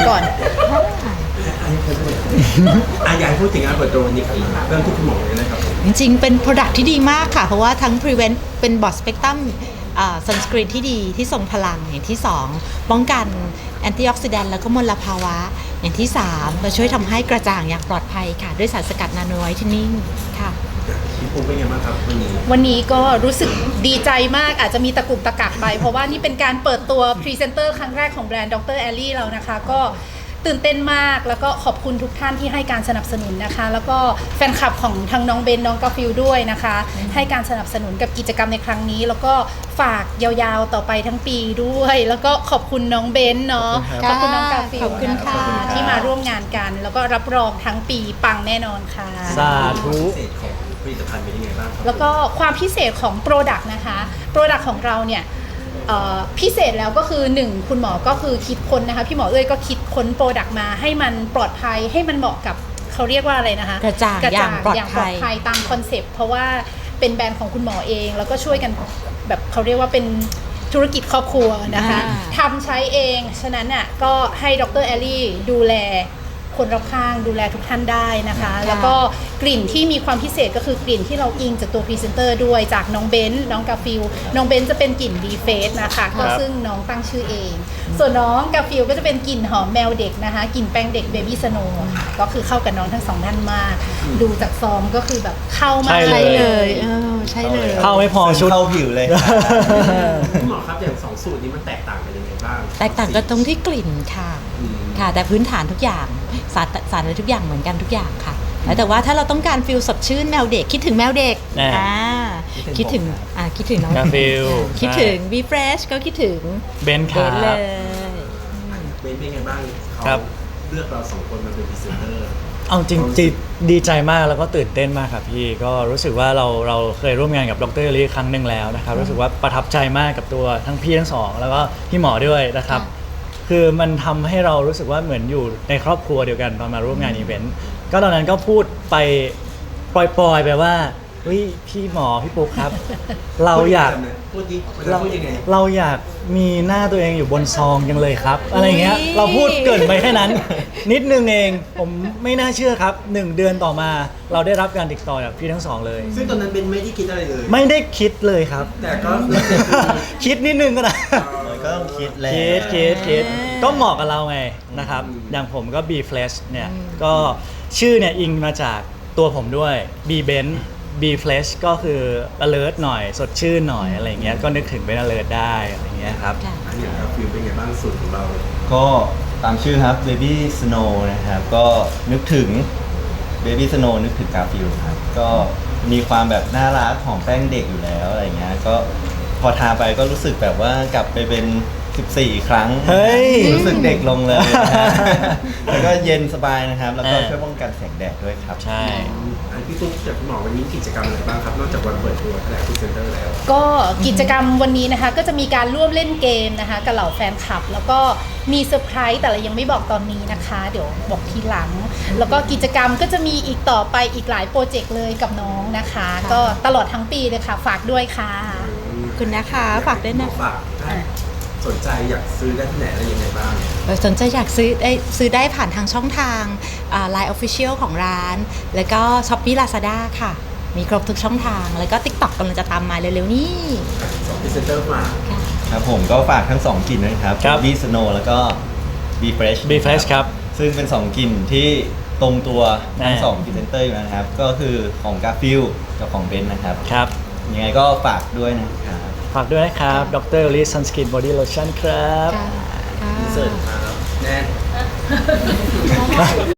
ก่อนอยากให้พูดถึงงานเปิดตัววันนี้ครับเริ่มที่คุณหมอเลยนะครับจริงๆเป็น Product ที่ดีมากค่ะ เพราะว่าทั้ง Prevent เป็น Broad Spectrum Sunscreen ที่ดีที่ทรงพลังอย่างที่ 2 ป้องกันแอนตี้ออกซิแดนต์แล้วก็มลภาวะอย่างที่ 3มาช่วยทำให้กระจ่างอย่างปลอดภัยค่ะ ด้วยสารสกัดนาโนไวท์เทนนิ่งค่ะพี่ปูเป็นไงบ้างครับวันนี้ก็รู้สึกดีใจมากอาจจะมีตะกุกตะกักไปเพราะว่านี่เป็นการเปิดตัวพรีเซนเตอร์ครั้งแรกของแบรนด์ดรแอลลี่เรานะคะก็ตื่นเต้นมากแล้วก็ขอบคุณทุกท่านที่ให้การสนับสนุนนะคะแล้วก็แฟนคลับของทางน้องเบนน้องกาฟิลด้วยนะคะให้การสนับสนุนกับกิจกรรมในครั้งนี้แล้วก็ฝากยาวๆต่อไปทั้งปีด้วยแล้วก็ขอบคุณน้องเบนเนาะขอบคุณน้องกาฟิลขอบคุณค่ะที่มาร่วมงานกันแล้วก็รับรองทั้งปีปังแน่นอนค่ะสาธุผลิตภัณฑ์เป็นยังไงบ้างครับแล้วก็ความพิเศษของ Product นะคะ Product ของเราเนี่ยพิเศษแล้วก็คือ1คุณหมอก็คือคิดค้นนะคะพี่หมอเอ้ยก็คิดค้น Product มาให้มันปลอดภัยให้มันเหมาะกับเขาเรียกว่าอะไรนะคะกระจ่างอย่างปลอดภัยตามคอนเซปต์เพราะว่าเป็นแบรนด์ของคุณหมอเองแล้วก็ช่วยกันแบบเขาเรียกว่าเป็นธุรกิจครอบครัวนะคะทำใช้เองฉะนั้นอ่ะก็ให้ดรแอลลี่ดูแลคนรอบข้างดูแลทุกท่านได้นะคะแล้วก็กลิ่นที่มีความพิเศษก็คือกลิ่นที่เราอิงจากตัวพรีเซนเตอร์ด้วยจากน้องเบนน้องกาฟิลน้องเบนจะเป็นกลิ่นบีเฟสนะคะก็ซึ่งน้องตั้งชื่อเองส่วนน้องกาฟิลก็จะเป็นกลิ่นหอมแมวเด็กนะคะกลิ่นแป้งเด็กเบบี้สโนว์ค่ะก็คือเข้ากับน้องทั้งสองท่านมากดูจากซองก็คือแบบเข้ามาใช่เลยใช่เลยเข้าไม่พอชุดเข้าผิวเลยคุณหมอครับอย่าง2สูตรนี้มันแตกต่างกันยังไงบ้างแตกต่างกันตรงที่กลิ่นค่ะแต่พื้นฐานทุกอย่างสารอะไรทุกอย่างเหมือนกันทุกอย่างค่ะแต่ว่าถ้าเราต้องการฟิลสดชื่นแมวเด็กคิดถึงแมวเด็กคิดถึงน้องฟิลคิดถึงบีเฟรชก็คิดถึงเบนครับเลยเบนเป็นไงบ้างเขาเลือกเรา2คนมาเป็นพรีเซนเตอร์เอาจริงดีใจมากแล้วก็ตื่นเต้นมากครับพี่ก็รู้สึกว่าเราเคยร่วมงานกับดรลีครั้งหนึ่งแล้วนะครับรู้สึกว่าประทับใจมากกับตัวทั้งพี่ทั้งสองแล้วก็พี่หมอด้วยนะครับคือมันทำให้เรารู้สึกว่าเหมือนอยู่ในครอบครัวเดียวกันตอนมาร่วมงานอีเวนต์ก็ตอนนั้นก็พูดไปปล่อยๆไปว่าเฮ้ยพี่หมอพี่ปุ๊กครับเราอยากเราอยากมีหน้าตัวเองอยู่บนซองจังเลยครับอะไรเงี้ยเราพูดเกินไปแค่นั้นนิดนึงเองผมไม่น่าเชื่อครับ1 เดือนต่อมาเราได้รับการติดต่อจากพี่ทั้งสองเลยซึ่งตอนนั้นเบนไม่ได้คิดอะไรเลยไม่ได้คิดเลยครับแต่ก็คิดนิดนึงก็ได้ก็ต้องคิดเลยคิดก็เหมาะกับเราไงนะครับอย่างผมก็ B Flash เนี่ยก็ชื่อเนี่ยอิงมาจากตัวผมด้วย B Ben B Flash ก็คือ alert หน่อยสดชื่นหน่อยอะไรเงี้ยก็นึกถึงเป็น alert ได้อะไรเงี้ยครับอันนี้ครับฟิลเป็นไงบ้างสูตรของเราก็ตามชื่อครับ Baby Snow นะครับก็นึกถึง Baby Snow นึกถึงกาฟิลครับก็มีความแบบน่ารักของแป้งเด็กอยู่แล้วอะไรเงี้ยก็พอทาไปก็รู้สึกแบบว่ากลับไปเป็น14 ครั้งรู้สึกเด็กลงเลยแล้วก็เย็นสบายนะครับแล้วก็ช่วยป้องกันแสงแดดด้วยครับใช่พี่ตุ๊กจากคุณหมอวันนี้กิจกรรมอะไรบ้างครับนอกจากวันเปิดตัวแถลงพรีเซนเตอร์แล้วก็กิจกรรมวันนี้นะคะก็จะมีการร่วมเล่นเกมนะคะกับเหล่าแฟนคลับแล้วก็มีเซอร์ไพรส์แต่เรายังไม่บอกตอนนี้นะคะเดี๋ยวบอกทีหลังแล้วก็กิจกรรมก็จะมีอีกต่อไปอีกหลายโปรเจกต์เลยกับน้องนะคะก็ตลอดทั้งปีเลยค่ะฝากด้วยค่ะคุณนะคะฝากด้วยนะสนใจอยากซื้อได้ที่ไหนอะไรยังไงบ้างสนใจอยากซื้อได้ผ่านทางช่องทางLine Official ของร้านแล้วก็ Shopee Lazada ค่ะมีครบทุกช่องทางแล้วก็ TikTok กำลังจะตามมาเร็วๆนี้ 2พรีเซนเตอร์มาครับผมก็ฝากทั้ง2กลิ่นนะครับ B Snow แล้วก็ B Fresh ครับซึ่งเป็น2กลิ่นที่ตรงตัวทั้ง2พรีเซนเตอร์อยู่นะครับก็คือของกาฟิลกับของเบนนะครับครับยังไงก็ฝากด้วยนะครับฝากด้วยนะครับดรลีซันสกินบอดี้โลชั่นครับเสิร์ฟครับแน่